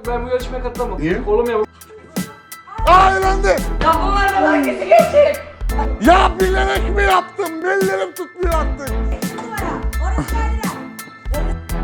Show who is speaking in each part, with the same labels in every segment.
Speaker 1: Ben bu yarışmaya katılamam.
Speaker 2: Niye?
Speaker 1: Kolum yamuk.
Speaker 2: Eğlendi.
Speaker 3: Ya bunlar da hangisi geçecek?
Speaker 2: Ya bilerek mi yaptım? Bellerim tutmuyor artık.
Speaker 4: Numara. Orası geldiler.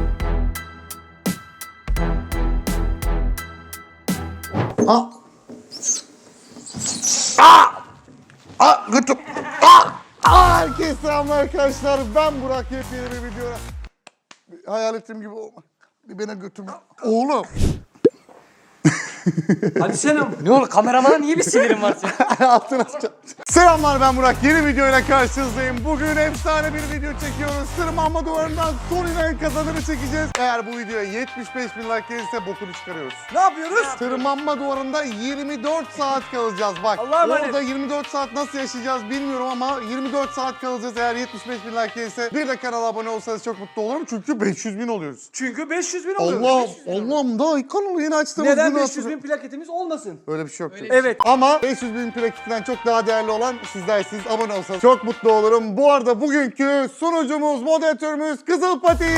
Speaker 2: Ah. Ah. Ah. Götüm. Ah. Ah. Herkese selamlar arkadaşlar. Ben Burak. Yepyeni bir videoya. Hayal ettiğim gibi olma. Bir bana götüm. Oğlum.
Speaker 1: Hadi sen ama.
Speaker 3: Ne olur kameramana niye bir sinirin var senin?
Speaker 2: Altına sıçacağım. Selamlar, ben Burak. Yeni videoyla karşınızdayım. Bugün efsane bir video çekiyoruz. Tırmanma duvarından son inen kazananı çekeceğiz. Eğer bu videoya 75.000 like gelirse bokunu çıkarıyoruz.
Speaker 1: Ne yapıyoruz?
Speaker 2: Tırmanma duvarında 24 saat kalacağız. Bak
Speaker 1: Allah'a emanet.
Speaker 2: orada 24 saat nasıl yaşayacağız bilmiyorum ama 24 saat kalacağız. Eğer 75.000 like gelirse bir de kanala abone olsanız çok mutlu olurum. Çünkü 500.000 oluyoruz.
Speaker 1: Çünkü 500.000 oluyor.
Speaker 2: Allah'ım daha kanalı yeni açtığımız
Speaker 1: Neden
Speaker 2: günü
Speaker 1: 500.000 plaketimiz olmasın?
Speaker 2: Öyle bir şey yok.
Speaker 1: Evet.
Speaker 2: Ama 500.000 plaketinden çok daha değerli olan sizlersiniz. Abone olsanız çok mutlu olurum. Bu arada bugünkü sunucumuz, moderatörümüz Kızıl Pati.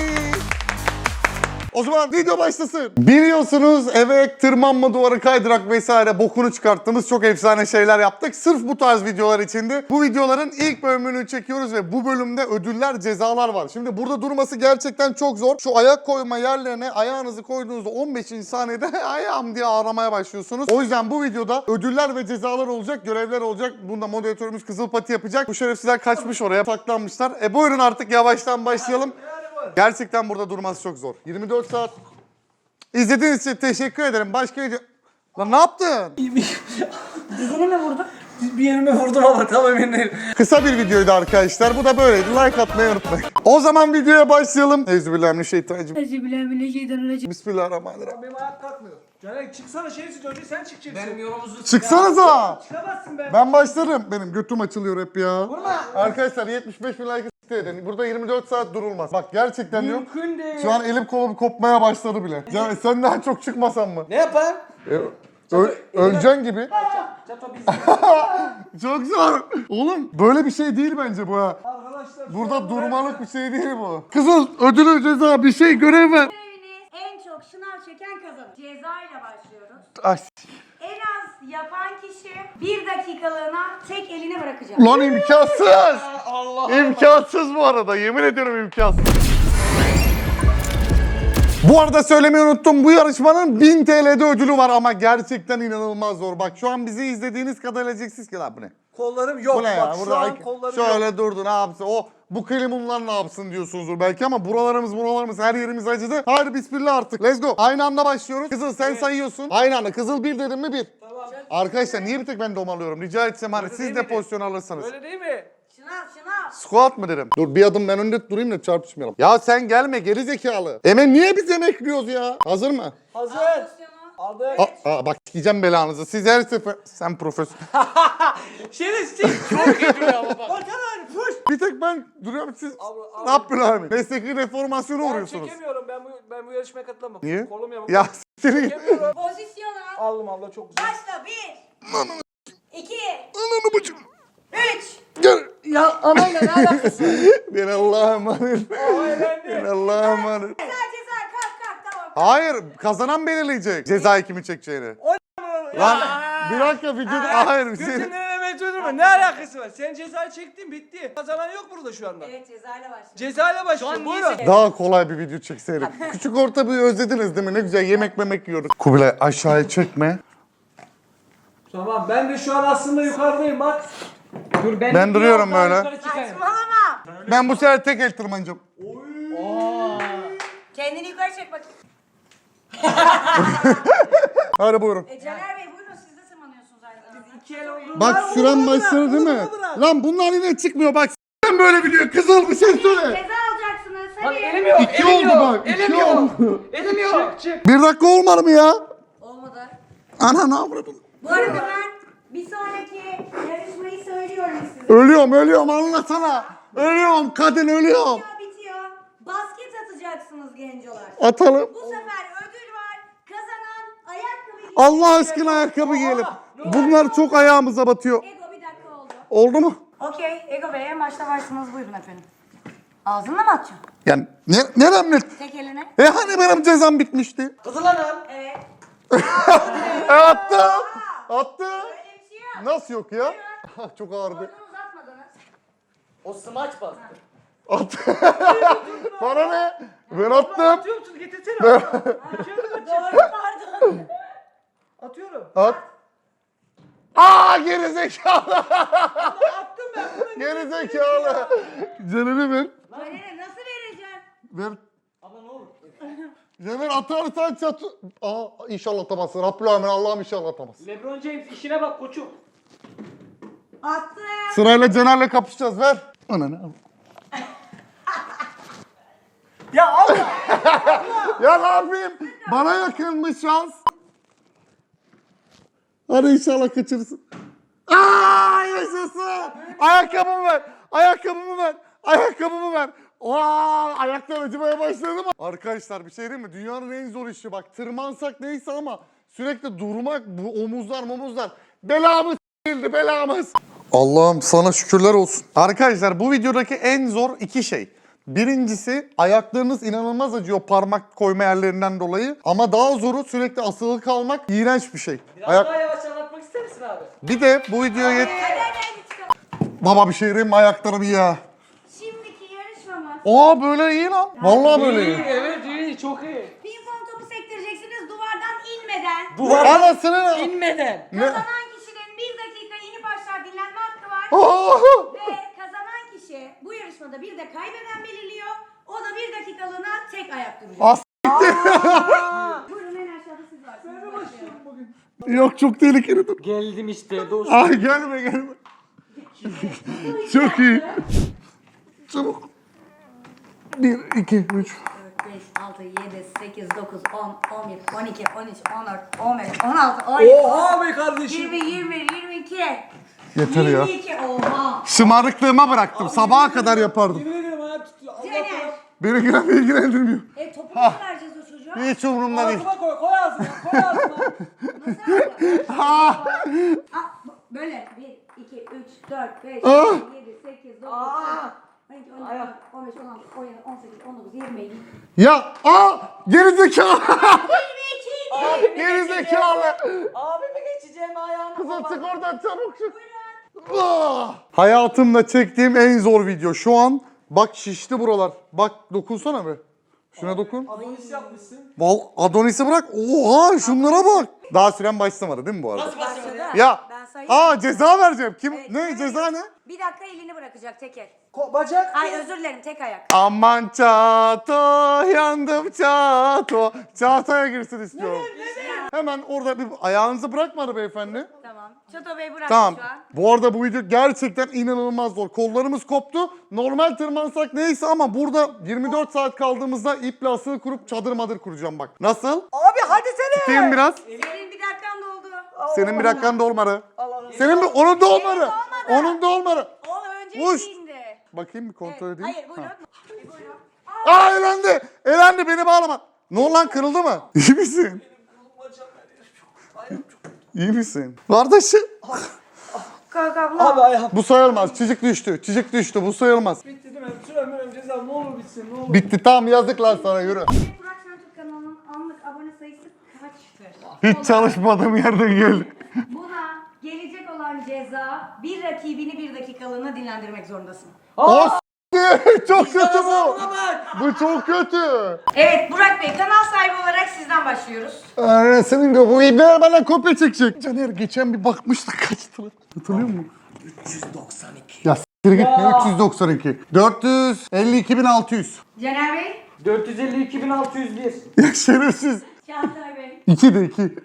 Speaker 2: O zaman video başlasın. Biliyorsunuz eve tırmanma duvarı, kaydırak vesaire bokunu çıkarttığımız çok efsane şeyler yaptık. Sırf bu tarz videolar içindi. Bu videoların ilk bölümünü çekiyoruz ve bu bölümde ödüller, cezalar var. Şimdi burada durması gerçekten çok zor. Şu ayak koyma yerlerine ayağınızı koyduğunuzda 15. saniyede ayağım diye ağlamaya başlıyorsunuz. O yüzden bu videoda ödüller ve cezalar olacak, görevler olacak. Bunda moderatörümüz Kızıl Pati yapacak. Bu şerefsizler kaçmış oraya, saklanmışlar. Buyurun artık yavaştan başlayalım. Gerçekten burada durması çok zor. 24 saat. İzlediğiniz için teşekkür ederim. Başka video... Lan ne yaptın?
Speaker 4: Dizini mi vurdun?
Speaker 1: Bir yerime vurdum ama tam emin değilim.
Speaker 2: Kısa bir videoydu arkadaşlar. Bu da böyleydi. Like atmayı unutmayın. O zaman videoya başlayalım. Euzubillahimineşşeytanirracim. Bismillahirrahmanirrahim.
Speaker 1: Benim ayak kalkmıyor. Caner çıksana şeysiz önce sen çıkacaksın.
Speaker 3: Benim yolumuzu
Speaker 2: Çıksanıza.
Speaker 1: Çıkamazsın be.
Speaker 2: Ben başlarım. Benim götüm açılıyor hep ya.
Speaker 1: Vurma.
Speaker 2: Arkadaşlar 75.000 like isteyin. Burada 24 saat durulmaz. Bak gerçekten diyorum.
Speaker 1: Mümkün değil.
Speaker 2: Şu an elim kolum kopmaya başladı bile. Yani sen daha çok çıkmasan mı?
Speaker 1: Ne yapar?
Speaker 2: Öleceksin gibi.
Speaker 1: Çato biz.
Speaker 2: Çok zor. Oğlum böyle bir şey değil bence bu ha.
Speaker 1: Arkadaşlar.
Speaker 2: Burada durmalık bir şey değil bu. Kızıl ödülü ceza bir şey görev ver.
Speaker 4: Göreviniz en çok şınav çeken kazanır. Ceza ile başlıyoruz.
Speaker 2: Ay.
Speaker 4: En az yapan kişi 1 dakikalığına tek elini bırakacak.
Speaker 2: Lan imkansız.
Speaker 1: Allah.
Speaker 2: İmkansız bu arada. Yemin ediyorum imkansız. Bu arada söylemeyi unuttum. Bu yarışmanın 1000 TL'de ödülü var ama gerçekten inanılmaz zor. Bak şu an bizi izlediğiniz kadar diyeceksiniz ki lan bu ne?
Speaker 1: Kollarım yok.
Speaker 2: Bu ne ya?
Speaker 1: Bak şu
Speaker 2: Burada
Speaker 1: an kollarım
Speaker 2: şöyle
Speaker 1: yok.
Speaker 2: durdu ne yapsın? Bu klimunlar ne yapsın diyorsunuzdur belki ama buralarımız her yerimiz acıdı. Hadi bismillah artık. Let's go. Aynı anda başlıyoruz. Kızıl sen sayıyorsun. Aynı anda. Kızıl bir dedim mi bir.
Speaker 1: Tamam.
Speaker 2: Arkadaşlar niye bir tek ben domalıyorum? Rica etsem hani
Speaker 1: Öyle
Speaker 2: siz
Speaker 1: değil
Speaker 2: de
Speaker 1: mi?
Speaker 2: pozisyon alırsanız.
Speaker 1: Öyle değil mi?
Speaker 4: Şınav.
Speaker 2: Squat mı dedim? Dur bir adım ben önde durayım da çarpışmayalım. Ya sen gelme geri zekalı. Niye biz emekliyoruz ya? Hazır mı?
Speaker 1: Hazır.
Speaker 4: Pozisyonu.
Speaker 1: Aldık.
Speaker 2: Bak sikeceğim belanızı. Siz her sefer... Sen profesör.
Speaker 1: Şerefsiz. Çok iyi duruyor ama bak. Bakalım. Puş.
Speaker 2: Bir tek ben duruyorum siz...
Speaker 1: Abi.
Speaker 2: Ne yapıyorsun? Mesleki reformasyona
Speaker 1: Ben
Speaker 2: uğruyorsunuz.
Speaker 1: çekemiyorum. Ben bu yarışmaya katılamam.
Speaker 2: Niye?
Speaker 1: Kolum yamuk.
Speaker 2: Ya seni...
Speaker 1: Çekemiyorum.
Speaker 4: Pozisyonu.
Speaker 1: Aldım abla çok güzel.
Speaker 4: Başla 1. 2.
Speaker 2: Ananı bacım.
Speaker 4: 3.
Speaker 2: Gel.
Speaker 3: Ya anayla ne alakası var?
Speaker 2: Ben Allah'a emanet.
Speaker 1: Eğlendi.
Speaker 2: Ben Allah'a emanet.
Speaker 4: Ceza kalk tamam.
Speaker 2: Hayır, kazanan belirleyecek cezayı kimi çekeceğini. Lan bir dakika videoda... Hayır bir şey...
Speaker 1: Götünün evet ödürme. Ne alakası var? Sen cezayı çektin bitti. Kazanan yok burada şu anda.
Speaker 4: Evet cezayla başla.
Speaker 1: Cezayla başlıyor.
Speaker 3: Şu an niye
Speaker 1: Buyurun.
Speaker 2: Daha kolay bir video çekseydik. Küçük orta bir özlediniz değil mi? Ne güzel yemek memek yiyorduk. Kubilay aşağıya çekme.
Speaker 1: Tamam ben de şu an aslında yukarıdayım bak.
Speaker 3: Dur
Speaker 2: Ben duruyorum
Speaker 3: biraz daha
Speaker 2: böyle.
Speaker 3: yukarı çıkayım.
Speaker 4: Saçmalama.
Speaker 2: Ben bu sefer tek el tırmanacağım.
Speaker 4: Kendini yukarı çek bakayım.
Speaker 2: Hadi buyurun.
Speaker 4: Caner Bey buyurun siz de tırmanıyorsunuz aynı zamanda.
Speaker 1: İki el oldu.
Speaker 2: Bak süren başladı değil mi? Lan bunlar yine çıkmıyor bak. Sen böyle biliyor. Kızıl bir şey söyle.
Speaker 4: Ceza alacaksınız
Speaker 3: Lan
Speaker 4: hadi.
Speaker 3: elim yok.
Speaker 2: İki
Speaker 3: elim
Speaker 2: oldu
Speaker 3: yok.
Speaker 2: bak, iki
Speaker 3: Elim yok.
Speaker 2: oldu.
Speaker 3: Elim yok.
Speaker 1: Çık.
Speaker 2: Bir dakika olmadı mı ya?
Speaker 4: Olmadı.
Speaker 2: Ana ne yapalım?
Speaker 4: Bu arada ben bir sonraki yarışmayı söylüyorum size.
Speaker 2: Ölüyorum anlasana. Ölüyorum kadın ölüyorum.
Speaker 4: Bitiyor. Basket atacaksınız gencolar.
Speaker 2: Atalım.
Speaker 4: Bu sefer ödül var. Kazanan ayakkabı.
Speaker 2: Allah aşkına ayakkabı giyelim. Bunlar çok ayağımıza batıyor.
Speaker 4: Ego bir dakika oldu.
Speaker 2: Oldu mu?
Speaker 4: Okey. Ego Bey en başta varsınız buyurun efendim. Ağzınla mı atacaksın?
Speaker 2: Yani nerem net?
Speaker 4: Tek eline.
Speaker 2: Hani benim cezam bitmişti?
Speaker 3: Kızılanım.
Speaker 4: Evet.
Speaker 2: Attım. Attım.
Speaker 4: Öyle bir şey yok.
Speaker 2: Nasıl yok ya? Çok ağırdı.
Speaker 4: Oradan uzatmadınız.
Speaker 3: O smaç bastı.
Speaker 2: Attım. Bana ne? Ben attım.
Speaker 1: Atıyor musun? Getirsene. Atıyorum.
Speaker 4: Doğru pardon.
Speaker 1: Atıyorum.
Speaker 2: At. Aa gerizekalı.
Speaker 1: Attım ben bunu.
Speaker 2: Gerizekalı. Canını ver.
Speaker 4: Böyle nasıl vereceksin?
Speaker 2: Ver.
Speaker 3: Abla ne olur?
Speaker 2: Caner atarsan çatı. Aa inşallah atamazsın. Rabbil Allah'ım inşallah atamazsın.
Speaker 3: LeBron James işine bak koçum.
Speaker 4: Attım.
Speaker 2: Sırayla Caner'le kapışacağız. Ver. Ananı al.
Speaker 1: Ya Allah.
Speaker 2: Ya ne yapayım? Bana yakınmış şans. Hadi inşallah kaçırırsın. Aa yaşasın. Ayakkabımı ver. Ayakkabımı ver. Ayakkabımı ver. Vaa ayaklar acımaya başladı mı? Arkadaşlar bir şey değil mi? Dünyanın en zor işi bak. Tırmansak neyse ama sürekli durmak bu omuzlar. Belamız değildi belamız. Allah'ım sana şükürler olsun. Arkadaşlar bu videodaki en zor iki şey. Birincisi ayaklarınız inanılmaz acıyor parmak koyma yerlerinden dolayı. Ama daha zoru sürekli asılı kalmak iğrenç bir şey.
Speaker 3: Biraz daha yavaş anlatmak ister misin abi?
Speaker 2: Bir de bu videoya
Speaker 4: Hadi hadi çıkalım.
Speaker 2: Baba bir şey diyeyim mi ayaklarım ya?
Speaker 4: Şimdiki yarışmamız.
Speaker 2: Aa böyle iyi lan. Vallahi böyle iyi.
Speaker 3: Evet iyi çok iyi.
Speaker 4: Pimpon topu sektireceksiniz duvardan inmeden.
Speaker 3: Duvar
Speaker 2: Anasını.
Speaker 3: inmeden.
Speaker 4: Kazanan kişinin 1 dakika inip aşağı dinlenme hakkı var.
Speaker 2: Aa!
Speaker 4: Ve kazanan kişi bu yarışmada bir de kaybeden belirliyor. O da 1 dakikalığına tek ayak duracak.
Speaker 2: As-
Speaker 4: Buyurun en aşağıda siz varsınız. Başlayalım.
Speaker 1: Bugün.
Speaker 2: Yok çok tehlikeli dur.
Speaker 3: Geldim işte dost.
Speaker 2: Ay gelme. Çok iyi. Çabuk. 1, 2, 3.
Speaker 4: 4, 5, 6, 7, 8, 9, 10, 11, 12, 13, 14, 15, 16, 17,
Speaker 1: Oha be kardeşim.
Speaker 4: 20, 21, 22.
Speaker 2: Yeter ya.
Speaker 4: 22, oha.
Speaker 2: Şımarıklığıma bıraktım. Sabaha kadar yapardım.
Speaker 1: Yemin ederim ayağım tutuyor. Allah
Speaker 4: Caner.
Speaker 1: korusun.
Speaker 2: Beni ilgilendirmiyor.
Speaker 4: Topu nasıl vereceğiz o çocuğa?
Speaker 2: Hiç umurumda değil.
Speaker 1: Ağzıma koy. Koy ağzıma. Koy ağzıma.
Speaker 4: Nasıl yapacağız?
Speaker 2: Ha!
Speaker 4: Böyle 1, 2, 3, 4, 5,
Speaker 2: Ah!
Speaker 4: 6, 7, 8, 9, 10, 12, 13, 14, 15, 16, 17, 18, 19, 20,
Speaker 2: Ya gerizekalı.
Speaker 4: 22.
Speaker 2: Gerizekalı.
Speaker 3: Abime geçeceğim ayağına.
Speaker 2: Kız çık oradan çabuk çık. Ah! Hayatımda çektiğim en zor video. Şu an bak şişti buralar. Bak dokunsana be. Şuna dokun.
Speaker 1: Adonis yapmışsın.
Speaker 2: Adonis'i bırak. Oha şunlara bak. Daha süren başlamadı değil mi bu arada?
Speaker 3: Nasıl başlamadı?
Speaker 2: Ya.
Speaker 4: Ben sayayım.
Speaker 2: Ceza vereceğim. Kim?
Speaker 4: Evet,
Speaker 2: ne
Speaker 4: evet.
Speaker 2: ceza ne?
Speaker 4: 1 dakika elini bırakacak tek el.
Speaker 1: Bacak.
Speaker 4: Ay özür dilerim tek ayak.
Speaker 2: Aman çato yandım çato. Çatoya girsin istiyorum. Hemen orada bir ayağınızı bırakmadı beyefendi.
Speaker 4: Tamam. Çato Bey bırak
Speaker 2: Tamam.
Speaker 4: şu an.
Speaker 2: Bu arada bu video gerçekten inanılmaz zor. Kollarımız koptu. Normal tırmansak neyse ama burada 24 saat kaldığımızda iple asılı kurup çadır madır kuracağım bak. Nasıl?
Speaker 1: Abi hadi sene.
Speaker 2: Tutayım biraz.
Speaker 4: Senin 1 dakikan doldu.
Speaker 2: Senin bir dakikan da olmadı.
Speaker 1: Allah.
Speaker 2: Senin bir onun da olmadı.
Speaker 4: olmadı.
Speaker 2: Onun da olmadı.
Speaker 4: O önce
Speaker 2: Uş.
Speaker 4: indi.
Speaker 2: Bakayım bir kontrol
Speaker 4: Evet.
Speaker 2: edeyim.
Speaker 4: Hayır buyurun.
Speaker 2: Ha.
Speaker 4: Buyurun.
Speaker 2: Aa elendi. Elendi beni bağlama. Ne oldu lan kırıldı mı? İyi misin? İyi misin? Kardeşim.
Speaker 4: Kalk abla.
Speaker 1: Abi ayağım.
Speaker 2: Bu sayılmaz. Çocuk düştü. Çocuk düştü. Bu sayılmaz.
Speaker 1: Bitti değil mi? Sürem ceza ne olur bitsin ne olur.
Speaker 2: Bitti tamam yazık lan sana yürü.
Speaker 4: Burak Şentürk kanalının anlık abone sayısı kaçtır?
Speaker 2: Hiç çalışmadığım yerden geldi.
Speaker 4: Buna gelecek olan ceza bir rakibini 1 dakikalığına dinlendirmek zorundasın.
Speaker 2: O çok kötü bu.
Speaker 3: Buna bak.
Speaker 2: Bu çok kötü.
Speaker 4: Evet Burak Bey kanal sahibi olarak sizden başlıyoruz.
Speaker 2: Senin de bu ibneler bana kopya çekecek. Caner geçen bir bakmıştık kaç lira. Hatırlıyor musun? 392. Ya s**tir git ne 392? 452.600.
Speaker 4: Caner Bey.
Speaker 3: 452.601.
Speaker 2: Ya şerefsiz.
Speaker 4: Çağatay Bey.
Speaker 2: 2 de 2.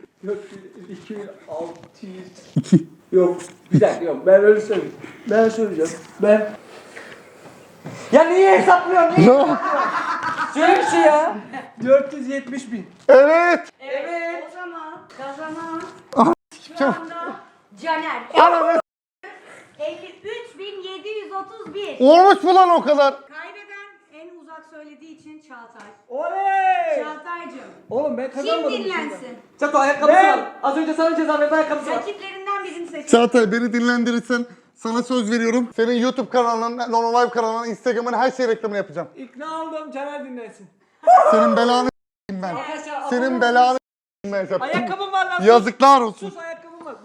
Speaker 1: 2600.
Speaker 2: 2.
Speaker 1: Yok. Bir dakika yok. Ben öyle söyleyeyim. Ben söyleyeceğim. Ben.
Speaker 3: Ya niye hesaplıyorsun? Niye hesaplıyorsun? Söyle bir şey ya.
Speaker 1: 470.000.
Speaker 2: Evet.
Speaker 3: Evet.
Speaker 4: O zaman kazanan
Speaker 2: Ah,
Speaker 4: şu anda Caner.
Speaker 2: Anam
Speaker 4: 53.731.
Speaker 2: olmuş mu lan o kadar?
Speaker 4: Kaybeden en uzak söylediği için Çağatay.
Speaker 1: Oley!
Speaker 4: Çağatay'cığım.
Speaker 1: Oğlum ben
Speaker 4: Kim
Speaker 1: kazanmadım.
Speaker 4: dinlensin?
Speaker 3: Çato ayakkabısı
Speaker 1: Ben-
Speaker 3: al. Az önce sana ceza verdi ayakkabısı al.
Speaker 4: Rakiplerinden birini seç.
Speaker 2: Çağatay beni dinlendirirsen Sana söz veriyorum. Senin YouTube kanalının, Nono Live kanalının, Instagram'ın her şey reklamını yapacağım.
Speaker 1: İkna oldum, Caner dinlesin.
Speaker 2: Senin belanı ben. Senin belanı ben.
Speaker 1: Ayakkabım var lan.
Speaker 2: Yazıklar olsun.
Speaker 1: Sus, ayakkabım var.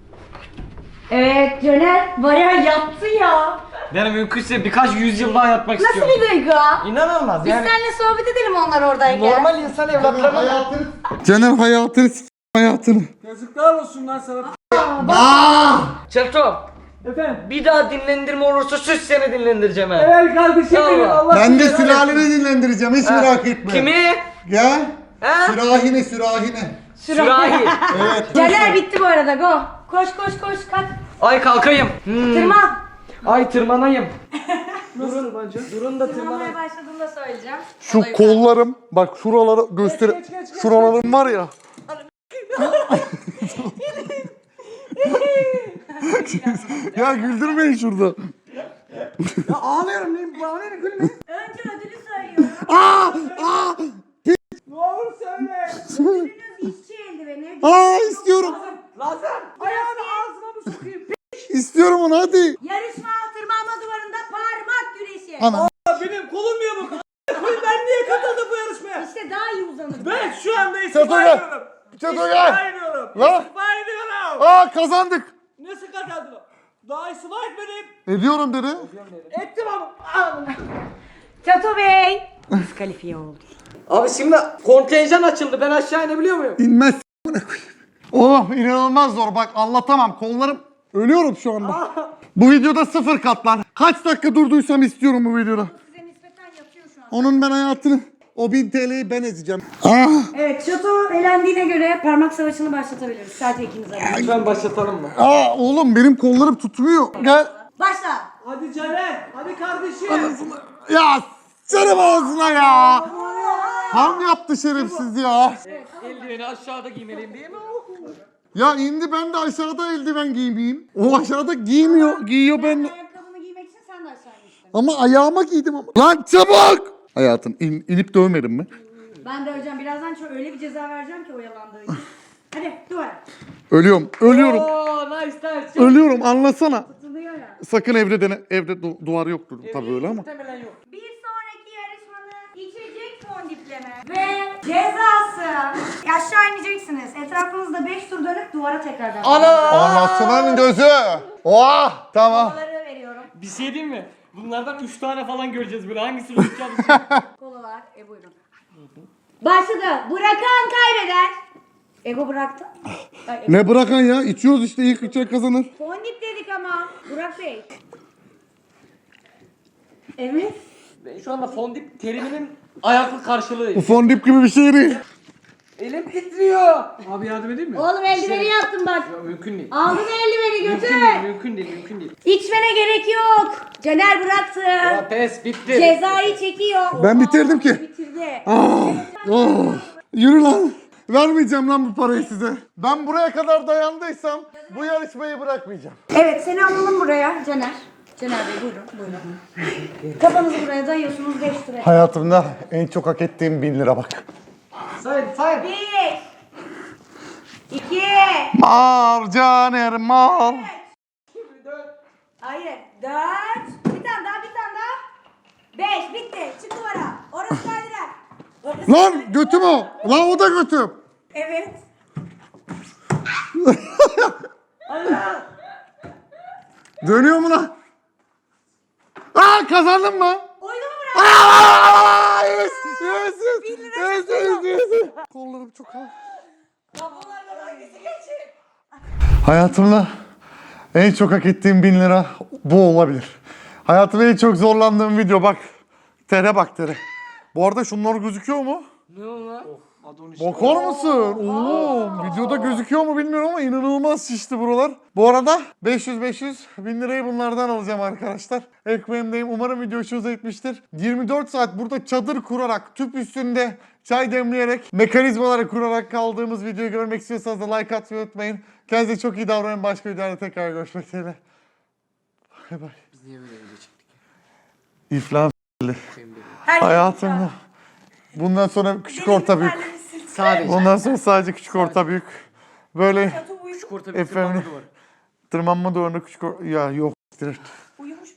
Speaker 4: Evet Caner bayağı yattı ya.
Speaker 3: Yani mümkünse birkaç yüzyıl daha yatmak
Speaker 4: Nasıl
Speaker 3: istiyorum.
Speaker 4: bir duygu?
Speaker 3: İnanılmaz
Speaker 4: Biz
Speaker 3: yani.
Speaker 4: seninle sohbet edelim onlar oradayken.
Speaker 3: Normal insan evlatlarına
Speaker 2: Caner hayatını hayatını.
Speaker 1: Yazıklar olsun lan sana.
Speaker 3: Çerto,
Speaker 1: Efendim.
Speaker 3: bir daha dinlendirme olursa süs seni dinlendireceğim ha.
Speaker 1: Evet kardeşim benim,
Speaker 3: Tamam.
Speaker 1: Allah
Speaker 2: Ben de
Speaker 1: seni
Speaker 2: sülaleni dinlendireceğim, hiç merak etme.
Speaker 3: Kimi?
Speaker 2: Gel.
Speaker 3: Ha?
Speaker 2: Sürahine.
Speaker 3: Sürahi.
Speaker 2: Evet.
Speaker 4: Caner bitti bu arada go. Koş kalk.
Speaker 3: Ay kalkayım.
Speaker 4: Tırman.
Speaker 3: Ay tırmanayım.
Speaker 1: Nasıl bence?
Speaker 3: Durun da tırmanayım.
Speaker 4: Tırmanmaya başladığında söyleyeceğim.
Speaker 2: Şu kollarım, bak şuraları göster.
Speaker 1: Geç.
Speaker 2: Şuralarım var ya. Ya güldürmeyin şurada.
Speaker 1: Ya ağlıyorum lan, bağırıyorum gülme.
Speaker 4: Önce ödülü söylüyorum.
Speaker 1: Ne olur söyle.
Speaker 4: Ödülünüz işçi eldiveni.
Speaker 2: İstiyorum.
Speaker 1: Lazım. Ayağını ağzıma mı sokayım?
Speaker 2: İstiyorum onu hadi.
Speaker 4: Yarışma tırmanma duvarında parmak güreşi.
Speaker 2: Ana.
Speaker 1: Benim kolum yamuk. Ben niye katıldım bu yarışmaya?
Speaker 4: İşte daha iyi uzanır.
Speaker 1: Ben şu anda
Speaker 2: Çato
Speaker 1: istifa
Speaker 2: gel.
Speaker 1: ediyorum.
Speaker 2: Çato
Speaker 1: İstifa
Speaker 2: gel.
Speaker 1: ediyorum.
Speaker 2: Lan.
Speaker 1: İstifa ediyorum.
Speaker 2: Kazandık.
Speaker 1: Nasıl kazandım? Daha istifa etmedim.
Speaker 2: Ediyorum dedi.
Speaker 1: Ettim ama.
Speaker 4: Çato Bey. Diskalifiye oldu.
Speaker 3: Abi şimdi kontenjan açıldı. Ben aşağı inebiliyor muyum?
Speaker 2: İnmez. Oğlum inanılmaz zor, bak anlatamam, kollarım ölüyorum şu anda. Bu videoda 0 katlan. Kaç dakika durduysam istiyorum bu videoda.
Speaker 4: Size nispeten yatıyor şu an.
Speaker 2: Onun ben hayatını, o 1000 TL'yi ben ezeceğim.
Speaker 4: Evet Çato elendiğine göre parmak savaşını başlatabiliriz. Sadece ikiniz arasında.
Speaker 3: Lütfen başlatalım mı?
Speaker 2: Oğlum benim kollarım tutmuyor. Gel.
Speaker 4: Başla.
Speaker 1: Hadi Caner. Hadi kardeşim.
Speaker 2: Ya canım ağzına ya. Ham yaptı şerefsiz ya.
Speaker 3: Eldiveni aşağıda giymeliyim değil mi?
Speaker 2: Ya indi, ben de aşağıda eldiven giymeyeyim. O aşağıda giymiyor, giyiyor ben.
Speaker 4: Ayakkabını giymek için sen de aşağı inmiştin.
Speaker 2: Ama ayağıma giydim ama. Lan çabuk. Hayatım inip dövmedim mi?
Speaker 4: Ben de hocam birazdan öyle bir ceza vereceğim ki oyalandığı için. Hadi duvara.
Speaker 2: Ölüyorum.
Speaker 3: Oo nice.
Speaker 2: Ölüyorum, anlasana.
Speaker 4: Tutuluyor ya.
Speaker 2: Sakın evde dene. Evde duvar yoktur tabii öyle ama.
Speaker 3: Muhtemelen yok.
Speaker 4: Bir sonraki yarışmanın içecek fondipleme ve cezası. Aşağı ineceksiniz. Etrafınızda 5 tur dönüp duvara tekrardan.
Speaker 2: Anasının gözü. Oh, tamam.
Speaker 4: Kolaları veriyorum.
Speaker 3: Bir şey diyeyim mi? Bunlardan 3 tane falan göreceğiz böyle. Hangisini tutacağız?
Speaker 4: Kolalar. Buyurun. Başladı. Bırakan kaybeder. Ego bıraktı. Ay, Ego.
Speaker 2: Ne bırakan ya? İçiyoruz işte, ilk içecek kazanır.
Speaker 4: Fondip dedik ama. Burak Bey. Evet.
Speaker 3: Ben şu anda fondip teriminin ayaklı karşılığıyım.
Speaker 2: Bu fondip gibi bir şey değil.
Speaker 3: Elim titriyor.
Speaker 1: Abi yardım edeyim mi?
Speaker 4: Oğlum eldiveni yaptım bak.
Speaker 3: Ya, mümkün değil.
Speaker 4: Aldın eldiveni götür.
Speaker 3: Mümkün değil.
Speaker 4: İçmene gerek yok. Caner bıraktı.
Speaker 3: Ya pes bitti.
Speaker 4: Cezayı çekiyor.
Speaker 2: Ben bitirdim ki.
Speaker 4: Bitirdi.
Speaker 2: Oh, yürü lan. Vermeyeceğim lan bu parayı size. Ben buraya kadar dayandıysam bu yarışmayı bırakmayacağım.
Speaker 4: Evet seni alalım buraya Caner. Caner Bey buyurun. Kafanızı buraya dayıyorsunuz 5 lira.
Speaker 2: Hayatımda en çok hak ettiğim 1000 lira bak.
Speaker 3: Sayın.
Speaker 4: 1 2
Speaker 2: Mar Caner mar.
Speaker 4: Hayır 4 bir tane daha 5 bitti çık duvara. Orası kaydırak. Orası
Speaker 2: Lan
Speaker 4: kaydırak.
Speaker 2: götüm o. Lan o da götüm.
Speaker 4: Evet.
Speaker 2: Dönüyor mu lan? Kazandın mı?
Speaker 4: Oyunu mu bırak?
Speaker 2: Yes. Kollarım çok ağır.
Speaker 4: Bunlardan hangisi geçecek?
Speaker 2: Hayatımda en çok hak ettiğim 1000 lira bu olabilir. Hayatımda en çok zorlandığım video bak. Tere bak tere. Bu arada şunlar gözüküyor mu?
Speaker 3: Ne oldu lan?
Speaker 2: Bakar mısın? Oo, videoda gözüküyor mu bilmiyorum ama inanılmaz şişti buralar. Bu arada 500 1000 lirayı bunlardan alacağım arkadaşlar. Ekmeğimdeyim. Umarım video hoşunuza gitmiştir. 24 saat burada çadır kurarak, tüp üstünde çay demleyerek, mekanizmaları kurarak kaldığımız videoyu görmek istiyorsanız da like atmayı unutmayın. Kendinize çok iyi davranın. Başka videoda tekrar görüşmek üzere. Bay bay.
Speaker 3: Biz niye böyle video çektik?
Speaker 2: İflas
Speaker 4: Herkes
Speaker 2: hayatımda. Bundan sonra küçük orta büyük.
Speaker 3: Sadece.
Speaker 2: Bundan sonra sadece küçük orta büyük. Böyle
Speaker 3: Küçük orta bir
Speaker 2: efendim
Speaker 3: tırmanma duvarı.
Speaker 2: tırmanma duvarında küçük ya yok. Direkt.
Speaker 4: Uyumuş